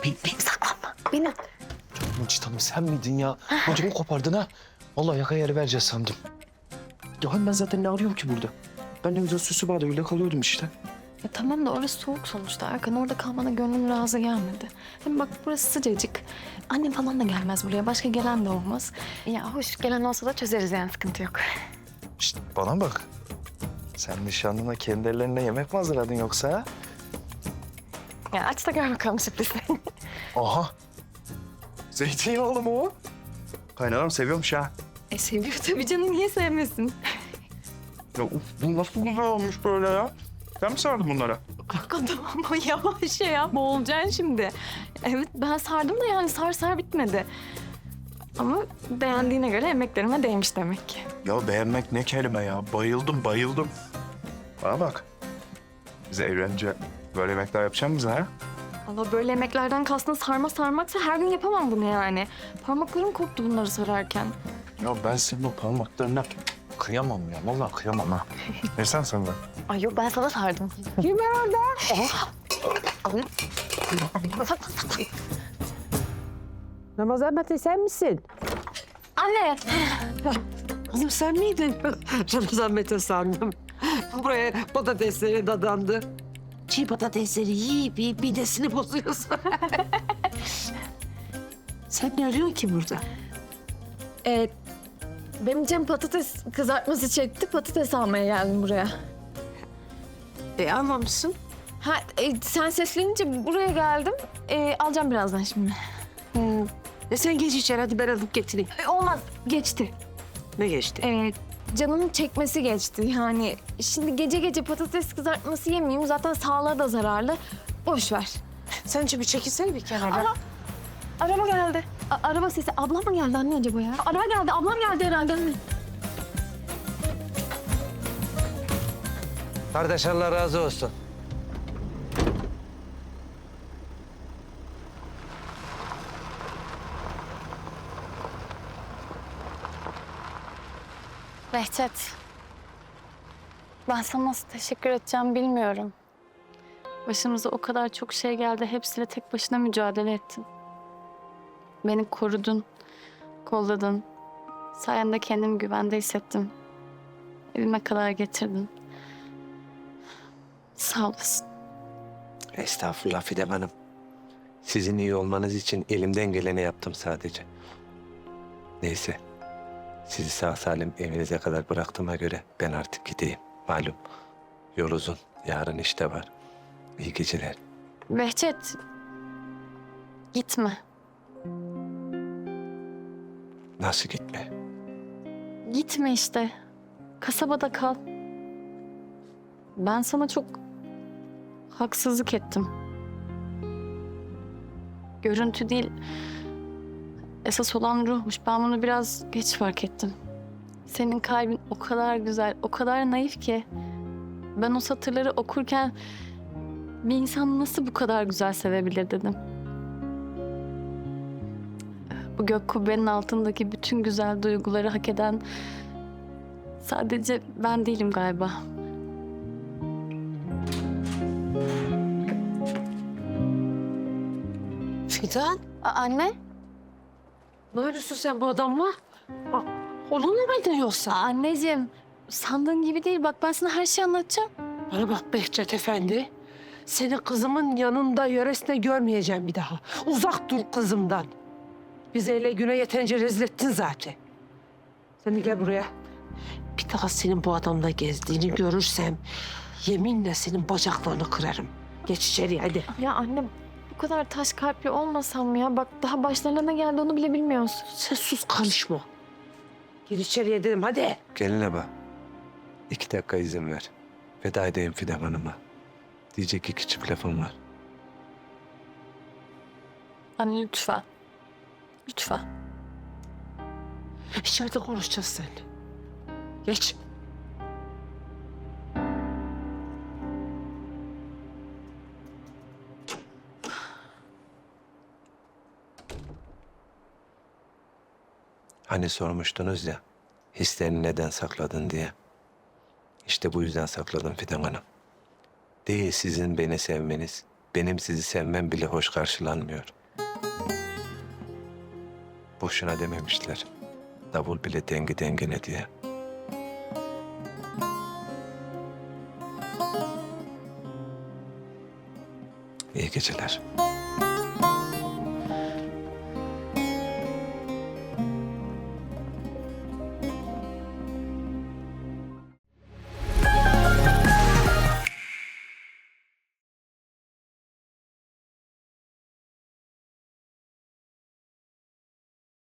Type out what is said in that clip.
Beni saklanma. Beni. Mucit Hanım sen miydin ya? Ödümü kopardın ha. Vallahi yaka yeri vereceğiz sandım. Ya hani ben zaten ne arıyorum ki burada? Ben ne güzel süsü bağda öyle kalıyordum işte. Ya tamam da orası soğuk sonuçta. Erkan orada kalmana gönlüm razı gelmedi. Hem bak burası sıcacık. Annem falan da gelmez buraya. Başka gelen de olmaz. Ya hoş gelen olsa da çözeriz yani sıkıntı yok. Şişt, bana bak. Sen nişanlına kendi ellerine yemek mi hazırladın yoksa ha? Ya aç da gör bakalım sürprizi. Aha. Zeytinyağlı mı o? Kaynanam seviyormuş ha. Seviyor tabii canım. Niye sevmesin? Ya bu nasıl güzel olmuş böyle ya? Sen mi sardın bunlara? Erkan tamam yavaş ya. Boğulacaksın şimdi. Evet ben sardım da yani sar bitmedi. Ama beğendiğine göre emeklerime değmiş demek ki. Ya beğenmek ne kelime ya? Bayıldım. Bana bak. Biz evlenince böyle yemekler yapacak mısın ha? Allah böyle yemeklerden kastın sarma sarmaksa her gün yapamam bunu yani. Parmaklarım koptu bunları sararken. Ya ben senin o parmaklarına kıyamam ya. Vallahi kıyamam ha. Ne sen de? Ay yok ben sana sardım. Kim var orada? Ramazan Mete sen misin? Anne. Kızım sen miydin? Ramazan Mete sandım. Buraya patatesleri dadandı. Çiğ patatesleri yiyip midesini bozuyorsun. Sen ne arıyorsun ki burada? Benim canım patates kızartması çekti. Patates almaya geldim buraya. Almamışsın. Ha sen seslenince buraya geldim. Alacağım birazdan şimdi. Sen geç içeri hadi ben alıp getireyim. Olmaz geçti. Ne geçti? Canımın çekmesi geçti. Yani şimdi gece patates kızartması yemeyeyim. Zaten sağlığa da zararlı. Boş ver. Sen bir çekilsene bir kenara. Araba geldi. Araba sesi. Ablam mı geldi anne acaba ya? Araba geldi. Ablam geldi herhalde anne. Kardeş Allah razı olsun. Behçet, ben sana nasıl teşekkür edeceğim bilmiyorum. Başımıza o kadar çok şey geldi, hepsiyle tek başına mücadele ettin. Beni korudun, kolladın. Sayende kendimi güvende hissettim. Evime kadar getirdin. Sağ olasın. Estağfurullah Fidem Hanım. Sizin iyi olmanız için elimden geleni yaptım sadece. Neyse. Sizi sağ salim evinize kadar bıraktığıma göre ben artık gideyim. Malum yol uzun. Yarın işte var. İyi geceler. Behçet, gitme. Nasıl gitme? Gitme işte. Kasabada kal. Ben sana çok haksızlık ettim. Görüntü değil, esas olan ruhmuş. Ben bunu biraz geç fark ettim. Senin kalbin o kadar güzel, o kadar naif ki. Ben o satırları okurken bir insan nasıl bu kadar güzel sevebilir dedim. Bu gök kubbenin altındaki bütün güzel duyguları hak eden sadece ben değilim galiba. Fidan, Anne? ne arıyorsun sen bu adamla? Onunla mıydın yoksa? Anneciğim, sandığın gibi değil. Bak ben sana her şeyi anlatacağım. Bana bak Behçet Efendi. Seni kızımın yanında yöresine görmeyeceğim bir daha. Uzak dur kızımdan. Bizi ele güne yeterince rezil ettin zaten. Sen de gel buraya. Bir daha senin bu adamla gezdiğini görürsem yeminle senin bacaklarını kırarım. Geç içeri hadi. Ya anne bu kadar taş kalpli olmasam mı ya? Bak daha başlarına ne geldi onu bile bilmiyorsun. Sen sus karışma. Gir içeriye dedim hadi. Geline bak. 2 dakika izin ver. Veda edeyim Fidem Hanım'a. Diyecek 2 çift lafım var. Anne lütfen. Lütfen. İçeride konuşacağız seninle. Geç. Hani sormuştunuz ya, hislerini neden sakladın diye. İşte bu yüzden sakladım Fidan Hanım. Değil sizin beni sevmeniz, benim sizi sevmem bile hoş karşılanmıyor. Boşuna dememişler. Davul bile dengi dengine diye. İyi geceler.